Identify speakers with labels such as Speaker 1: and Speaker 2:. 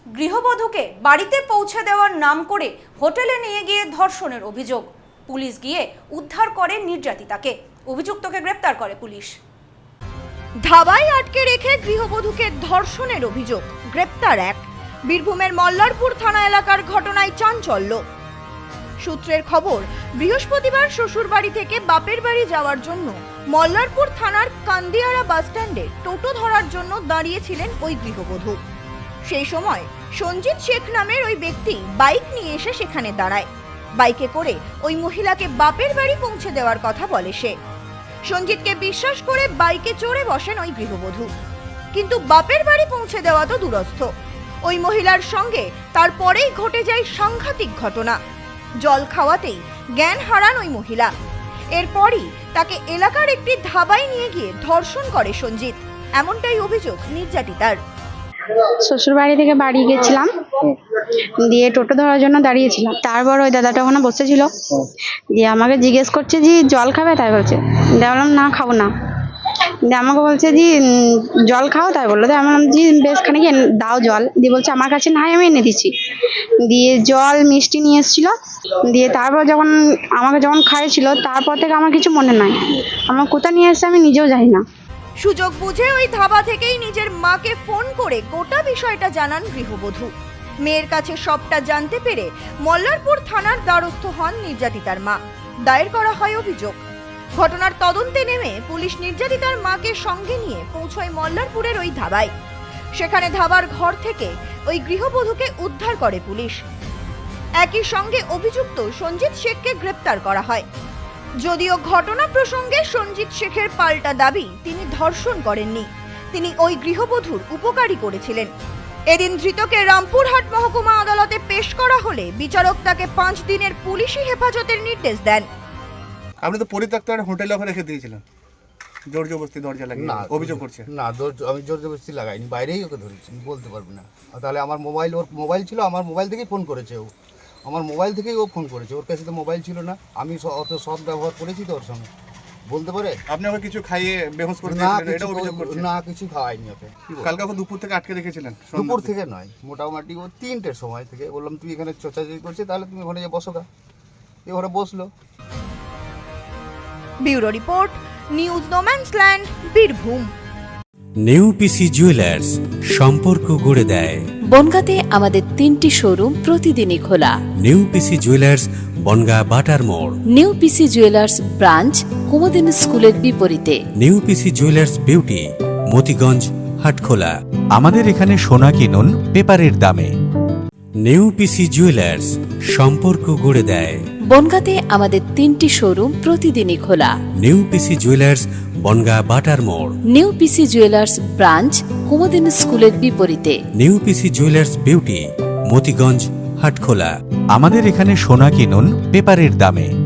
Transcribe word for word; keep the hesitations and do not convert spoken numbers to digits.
Speaker 1: গৃহবধূকে বাড়িতে পৌঁছে দেওয়ার নাম করে হোটেলে নিয়ে গিয়ে ধর্ষণের অভিযোগ। পুলিশ গিয়ে উদ্ধার করে নির্যাতিতাকে। অভিযুক্তকে গ্রেপ্তার করে পুলিশ। ধাবায় আটকে রেখে গৃহবধূকে ধর্ষণের অভিযোগ, গ্রেপ্তার এক। বীরভূমের মল্লারপুর থানা এলাকার ঘটনায় চাঞ্চল্য। সূত্রের খবর, বৃহস্পতিবার শ্বশুর বাড়ি থেকে বাপের বাড়ি যাওয়ার জন্য মল্লারপুর থানার কান্দিয়ারা বাস স্ট্যান্ডে টোটো ধরার জন্য দাঁড়িয়েছিলেন ওই গৃহবধূ। সেই সময় সঞ্জিত শেখ নামের ওই ব্যক্তি বাইক নিয়ে এসে সেখানে দাঁড়ায়। বাইকে করে ওই মহিলাকে বাপের বাড়ি পৌঁছে দেওয়ার কথা বলে সে। সঞ্জিতকে বিশ্বাস করে বাইকে চড়ে বসেন ওই গৃহবধূ, কিন্তু বাপের বাড়ি পৌঁছে দেওয়া তো দূরস্থ, ওই মহিলার সঙ্গে তারপরেই ঘটে যায় সাংঘাতিক ঘটনা। জল খাওয়াতেই জ্ঞান হারান ওই মহিলা। এরপরই তাকে এলাকার একটি ধাবায় নিয়ে গিয়ে ধর্ষণ করে সঞ্জিত, এমনটাই অভিযোগ নির্যাতিতার।
Speaker 2: শ্বশুর বাড়ি থেকে বাড়ি গেছিলাম, দিয়ে টোটো ধরার জন্য দাঁড়িয়েছিলাম। তারপর ওই দাদাটা ওখানে বসেছিল, দিয়ে আমাকে জিজ্ঞেস করছে যে জল খাবে, তাই বলছে। দিয়ে বললাম না খাবো না। দিয়ে আমাকে বলছে যে জল খাও, তাই বললো। দিয়ে আমি বললাম যে বেশ খানিক দাও জল। দিয়ে বলছে আমার কাছে নাই, আমি এনে দিচ্ছি। দিয়ে জল মিষ্টি নিয়ে এসেছিল। দিয়ে তারপর যখন আমাকে যখন খাইয়েছিল, তারপর থেকে আমার কিছু মনে নাই। আমার কোথায় নিয়ে এসেছে আমি নিজেও জানি না।
Speaker 1: সুযোগ বুঝে ওই ধাবা থেকেই নিজের মাকে ফোন করে গোটা বিষয়টা জানান গৃহবধূ। মেয়ের কাছে সবটা জানতে পেরে মল্লারপুর থানার দ্বারস্থ হন নির্যাতিতার মা। দায়ের করা হয় অভিযোগ। ঘটনার তদন্তে নেমে পুলিশ নির্যাতিতার মাকে সঙ্গে নিয়ে পৌঁছয় মল্লারপুরের ওই ধাবায়। সেখানে ধাবার ঘর থেকে ওই গৃহবধূকে উদ্ধার করে পুলিশ। একই সঙ্গে অভিযুক্ত সঞ্জিত শেখকে গ্রেপ্তার করা হয়। যদিও ঘটনা প্রসঙ্গে সঞ্জিত শেখের পাল্টা দাবি, তিনি ধর্ষণ করেননি, তিনি ওই গৃহবধূর উপকারী করেছিলেন। এদিন ধৃতকে রামপুরহাট মহকুমা আদালতে পেশ করা হলে বিচারক তাকে পাঁচ দিনের পুলিশি হেফাজতের নির্দেশ দেন।
Speaker 3: আপনি তো পরিত্যক্ত একটা হোটেলে ওখানে রেখে দিয়েছিলেন, জোর জবরদস্তি দরজা লাগিয়ে অভিযোগ করছে।
Speaker 4: না, আমি জোর জবরদস্তি লাগাইনি, বাইরেই ওকে ধরেছি, বলতে পারবি না। তাহলে আমার মোবাইল, ওর মোবাইল ছিল, আমার মোবাইল থেকেই ফোন করেছে ও, আমার মোবাইল থেকেই ও ফোন করেছে। ওর কাছে তো মোবাইল ছিল না, আমি অত সৎ ব্যবহার করেছি তো ওর সঙ্গে, বলতে পারে।
Speaker 3: আপনি ওকে কিছু খাইয়ে বেহুশ করে
Speaker 4: না,
Speaker 3: দিয়েছিলেন, এটা অভিযোগ করছে।
Speaker 4: না, কিছু খাওয়াইনি ওকে।
Speaker 3: কালকে ওকে দুপুর থেকে আটকে রেখেছিলেন?
Speaker 4: দুপুর থেকে নয়, মোটামুটি ও তিনটের সময় থেকে বললাম তুই এখানে চোচাচুরি করছিস, তাহলে তুমি ওখানে বসো গা। এ ওখানে বসলো।
Speaker 1: Bureau report, news no man's land, Birbhum.
Speaker 5: New PC jewellers, সম্পর্ক গড়ে দেয়।
Speaker 6: বনগাঁতে আমাদের তিনটি শোরুম প্রতিদিনই খোলা।
Speaker 5: নিউ পিসি জুয়েলার্স, বনগাঁ বাটার মোড়।
Speaker 6: New PC jewellers branch, Kumudini স্কুলের বিপরীতে।
Speaker 5: New PC jewellers beauty, Motiganj, Hatkhola.
Speaker 7: আমাদের এখানে সোনা কিনুন পেপারের দামে।
Speaker 5: নিউ পিসি জুয়েলার্স, সম্পর্ক গড়ে দেয়।
Speaker 6: বনগাঁতে আমাদের তিনটি শোরুম প্রতিদিনই খোলা।
Speaker 5: নিউ পিসি জুয়েলার্স, বনগাঁ বাটার মোড়।
Speaker 6: New PC jewellers branch, Kumudini স্কুলের বিপরীতে।
Speaker 5: New PC jewellers beauty, Motiganj, Hatkhola.
Speaker 7: আমাদের এখানে সোনা কিনুন পেপারের দামে।